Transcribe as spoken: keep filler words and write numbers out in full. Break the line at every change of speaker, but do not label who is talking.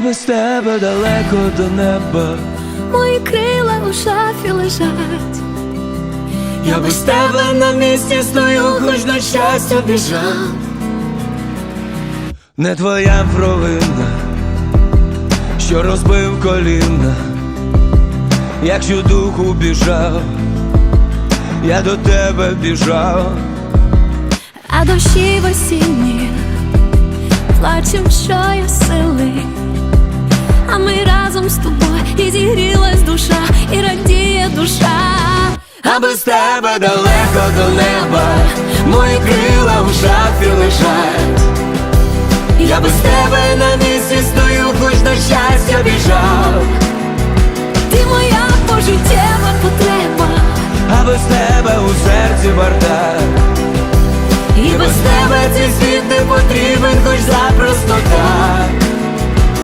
без тебе далеко до неба,
мої крила у шафі лежать.
я без тебе на місці стою, хоч на щастя біжав. Не твоя провина, що розбив коліна, якщо духу біжав, я до тебе біжав.
А дощі в осінні плачем, що є сили, а ми разом з тобою, і зігрілась душа, і радіє душа.
А без тебе далеко до неба, мої крила в шафі лежать. Я без тебе на місці стою,